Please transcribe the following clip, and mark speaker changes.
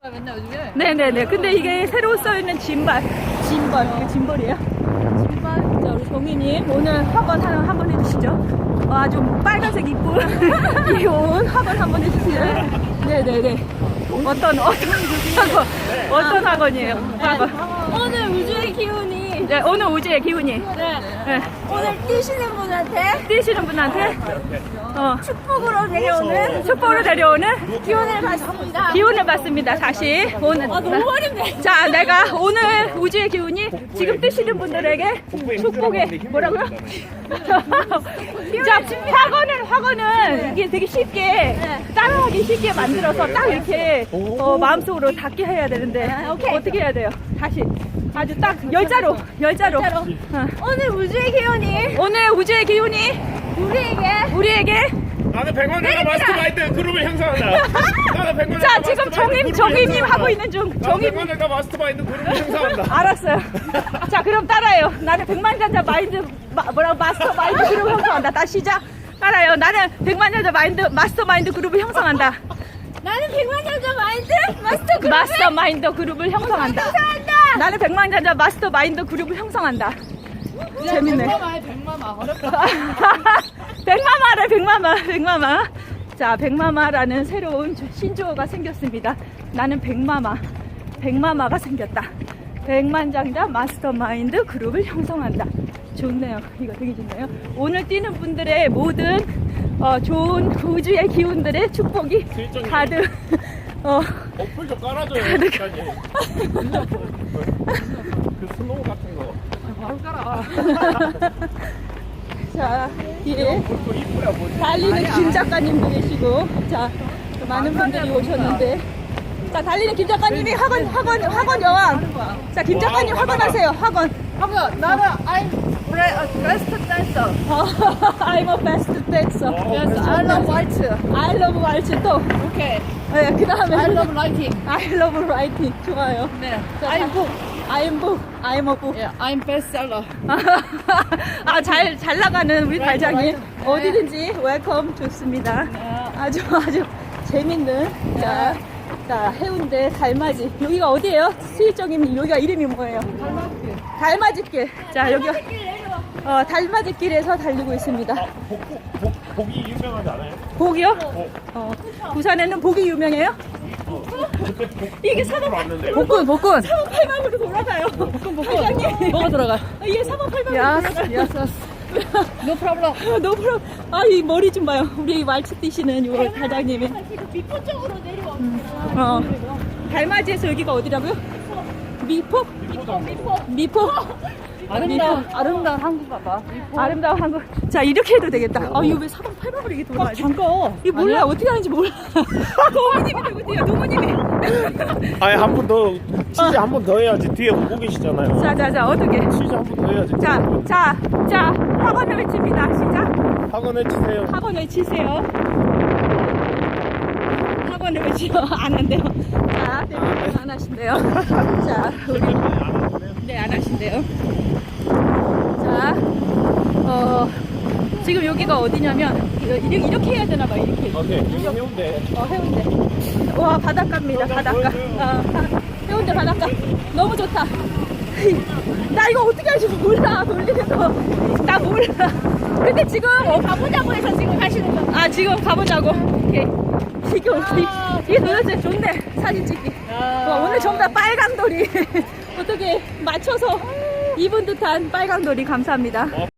Speaker 1: 맨날 요즘에?
Speaker 2: 네네네. 근데 이게 새로 써있는 짐벌. 이게 짐벌이에요. 짐벌. 자, 우리 정희님 오늘 학원 한번 해주시죠. 와, 좀 빨간색 입고 이 옷 학원 한번 해주세요. 네네네. 어떤 학원이에요? 학원.
Speaker 1: 오늘 우주의 기운이.
Speaker 2: 네, 오늘 우주의 기운이.
Speaker 1: 네.
Speaker 2: 네.
Speaker 1: 오늘 뛰시는 분한테
Speaker 2: 뛰시는 분한테
Speaker 1: 축복으로 내려오는
Speaker 2: 축복으로 데려오는
Speaker 1: 기운을 받습니다.
Speaker 2: 기운을 받습니다. 다시 오늘.
Speaker 1: 아, 너무 어렵네.
Speaker 2: 자, 내가 오늘 우주의 기운이 지금 뜨시는 분들에게 축복의 뭐라고요? 자, 학원은 이게 되게 쉽게 따라하기 쉽게 만들어서 딱 이렇게 마음속으로 닿게 해야 되는데 어떻게 해야 돼요? 다시 아주 딱 열자로.
Speaker 1: 오늘 우주의 기운이
Speaker 2: 오늘 우주의 기운이 우리에게
Speaker 3: 나는 100만 내가 마스터마인드 그룹을 형성한다. 나는 100만
Speaker 2: 자, 지금 정희님 하고 있는 중.
Speaker 3: 100만 내가 마스터마인드 그룹을 형성한다.
Speaker 2: 알았어요. 자, 그럼 따라요. 나는 백만장자 마스터 마인드 그룹을 형성한다. 다시 시작. 따라요. 나는 백만장자 마스터 마인드 그룹을 형성한다.
Speaker 1: 나는 백만장자 마스터 그룹
Speaker 2: 마스터 마인드 그룹을 형성한다. 나는 백만장자 마스터 마인드 그룹을 형성한다. 재밌네.
Speaker 1: 백마마 어렵다.
Speaker 2: 백마마. 자, 백마마라는 새로운 신조어가 생겼습니다. 나는 백마마가 생겼다. 백만장자 마스터마인드 그룹을 형성한다. 좋네요. 이거 되게 좋네요. 오늘 뛰는 분들의 모든 좋은 우주의 기운들의 축복이 가득
Speaker 3: 어플 좀 깔아줘요. 기사님. 그 스노우 같은 거.
Speaker 1: 바로 깔아.
Speaker 2: 자, 뒤에
Speaker 3: 그거 이쁘야 뭐지?
Speaker 2: 달리는 김 작가님도 계시고, 자, 또 많은 분들이 오셨는데, 자, 달리는 김 작가님이 학원 여왕. 자, 김 작가님 학원 하세요. 학원.
Speaker 1: 나는 I'm best dancer.
Speaker 2: I'm a best dancer.
Speaker 1: Yes, I love white.
Speaker 2: I love waltz 또.
Speaker 1: Okay.
Speaker 2: 네, 그 다음에
Speaker 1: I love writing.
Speaker 2: I love writing. 좋아요.
Speaker 1: 네.
Speaker 2: 자,
Speaker 1: I'm book.
Speaker 2: I'm a book.
Speaker 1: Yeah, I'm bestseller.
Speaker 2: 아, 잘 나가는 우리 달장님.
Speaker 1: right.
Speaker 2: 어디든지 웰컴 좋습니다. 아주 재밌는. 자, 해운대 달맞이. 여기가 어디예요? 수일정님, 여기가 이름이 뭐예요? 달맞이길. 자, 여기가 달맞이길에서 달리고 있습니다.
Speaker 3: 복이 유명하지 않아요?
Speaker 2: 복이요? 부산에는 복이 유명해요?
Speaker 3: 그때
Speaker 2: 이게
Speaker 3: 왔는데.
Speaker 2: 복근. 3원 8만으로 돌아가요. 복근. 달장님.
Speaker 1: 뭐가 돌아가?
Speaker 2: 이게 3원 8만으로 돌아가요.
Speaker 1: Yes. No problem.
Speaker 2: 너무 이 머리 좀 봐요. 우리 말치 뛰시는 요 달장님이.
Speaker 1: 미포 쪽으로 내려와.
Speaker 2: 달맞이에서 여기가 어디라고요? 미포? 미포?
Speaker 1: 아름다운 한국 가봐.
Speaker 2: 아름다운 한국. 자, 이렇게 해도 되겠다. 이거 왜 4번 8번으로 이렇게 돌아가지? 이거 몰라. 어떻게 하는지 몰라. 노무님이 누구세요? 노무님이.
Speaker 3: 아니 한 번 더 치즈 한 번 더 해야지. 뒤에 보고 계시잖아요.
Speaker 2: 자, 어떻게?
Speaker 3: 치즈 한 번 더 해야지.
Speaker 2: 자, 학원을 외칩니다. 시작.
Speaker 3: 학원 해주세요.
Speaker 2: 학원 외치세요. 학원을 외치요. 안 한대요. 자, 대표님 안 하신대요. 자, 네, 안 하신대요. 자, 지금 여기가 어디냐면, 이렇게 해야 되나봐, 이렇게.
Speaker 3: 오케이. 해운대.
Speaker 2: 해운대. 와, 바닷가입니다, 바닷가. 해운대 바닷가. 너무 좋다. 나 이거 어떻게 할지 몰라, 돌리는 거. 나 몰라. 근데 지금,
Speaker 1: 가보자고 해서 지금 가시는 거.
Speaker 2: 지금 가보자고. 오케이. 이게 도대체 좋네, 사진 찍기. 오늘 전부 다 빨강돌이. 어떻게 맞춰서 입은 듯한 빨강돌이 감사합니다.